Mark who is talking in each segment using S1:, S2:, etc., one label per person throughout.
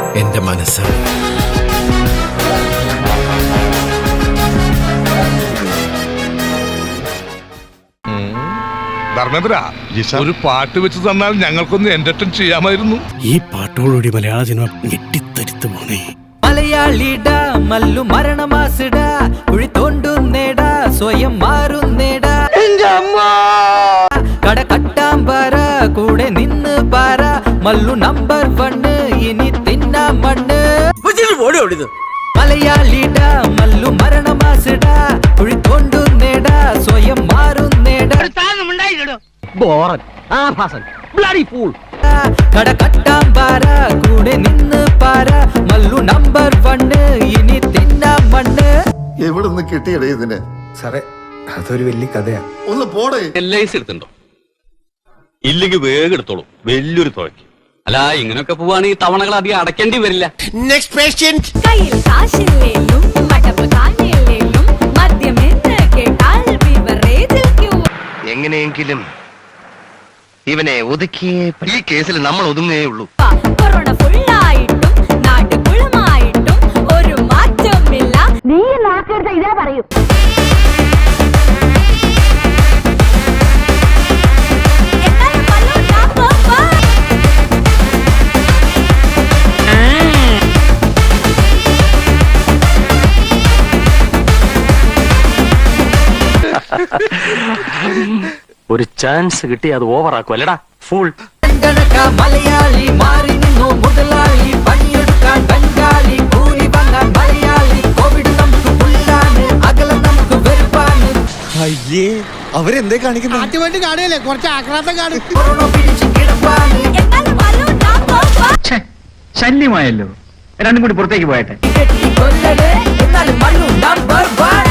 S1: എന്റെ മനസ്സാണ്.
S2: ധർമ്മേന്ദ്ര, ഒരു പാട്ട് വെച്ച് തന്നാൽ ഞങ്ങൾക്കൊന്ന് എന്റർടൈൻ ചെയ്യാമായിരുന്നു.
S3: ഈ പാട്ടോടുകൂടി മലയാള സിനിമ ഞെട്ടിത്തരിത്തു പോണേ.
S4: മലയാളിടാ മല്ലു മരണമാസിടാ കുഴി തോണ്ടുന്നേടാ സ്വയം മാറുന്നേടാ കട കട്ടാമ്പാറ കൂടെ നിന്ന് പാറ മല്ലു നമ്പർ 1 ഇനി തിന്നാ മണ്ണ്. മലയാളിടാ മല്ലു മരണമാസിടാ കുഴി തോണ്ടുന്നേടാ സ്വയം മാറുന്നേടാ കട കട്ടാമ്പാറ കൂടെ നിന്ന് പാറ മല്ലു നമ്പർ 1 ഇനി തിന്നാ മണ്ണ്.
S5: എവിടുന്ന് കിട്ടിയടേ ഇതിന്?
S1: സാറേ, അതൊരു വലിയ കഥയാ.
S5: ഒന്ന് പോടേ.
S6: LIC എടുത്തുണ്ടോ? ഇല്ലെങ്കിൽ വേഗം എടുത്തോളൂ, വലിയൊരു തുകയ്ക്ക്. അല്ല, ഇങ്ങനെയൊക്കെ പോവാണെങ്കിൽ തവണകൾ അധികം അടയ്ക്കേണ്ടി വരില്ല.
S7: Next patient.
S8: കയ്യിൽ കാശില്ലേലും മടപ്പ് കാണില്ലേലും മദ്യമെന്ന് കേട്ടാൽ ബിവറേജിൽ ക്യൂ.
S7: എങ്ങനെയെങ്കിലും ഇവനെ ഒതുക്കിയേ ഈ കേസിൽ നമ്മൾ ഒതുങ്ങേ ഉള്ളൂ.
S8: കൊറോണ ഫുള്ളായിട്ടും നാട് കുളമായിട്ടും ഒരു മാറ്റമില്ല. നീ നാക്കെടുത്ത ഇതേ പറയൂ.
S6: ഒരു ചാൻസ് കിട്ടി അത് ഓവറാക്കും അല്ലടാ ഫുൾ.
S4: മലയാളി മാറി നിന്നു മുതലാളി, പണിയെടുക്കാൻ ബംഗാളി, കൂലി വാങ്ങാൻ മലയാളി. കോവിഡ് നമുക്ക് പുല്ലാണ്, അകലം നമുക്ക് വെറുപ്പാണ്.
S1: അയ്യേ, അവരെന്തേ കാണിക്കുന്നു?
S7: ആറ്റുമായിട്ട് കാണുകയല്ലേ, കുറച്ച് ആക്രാന്തം കാണും.
S4: കൊറോണ പിടിച്ച് കിടപ്പാണ്.
S9: ശല്യമായല്ലോ, രണ്ടും കൂടി പുറത്തേക്ക് പോയട്ടെ.
S4: കൊല്ലട് എന്നാലും മണ്ണു നമ്പർ 1.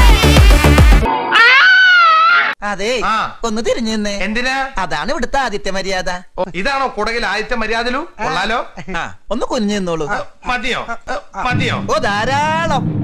S10: അതെ, ഒന്ന് തിരിഞ്ഞു നിന്നേ.
S7: എന്തിനാ?
S10: അതാണ് ഇവിടുത്തെ ആദിത്യ മര്യാദ.
S7: ഇതാണോ കുടകിൽ ആദ്യത്തെ മര്യാദലു? കൊള്ളാലോ.
S10: ഒന്ന് കുനിഞ്ഞു നിന്നോളൂ.
S7: മതിയോ? മതിയോ?
S10: ഓ ധാരാളം.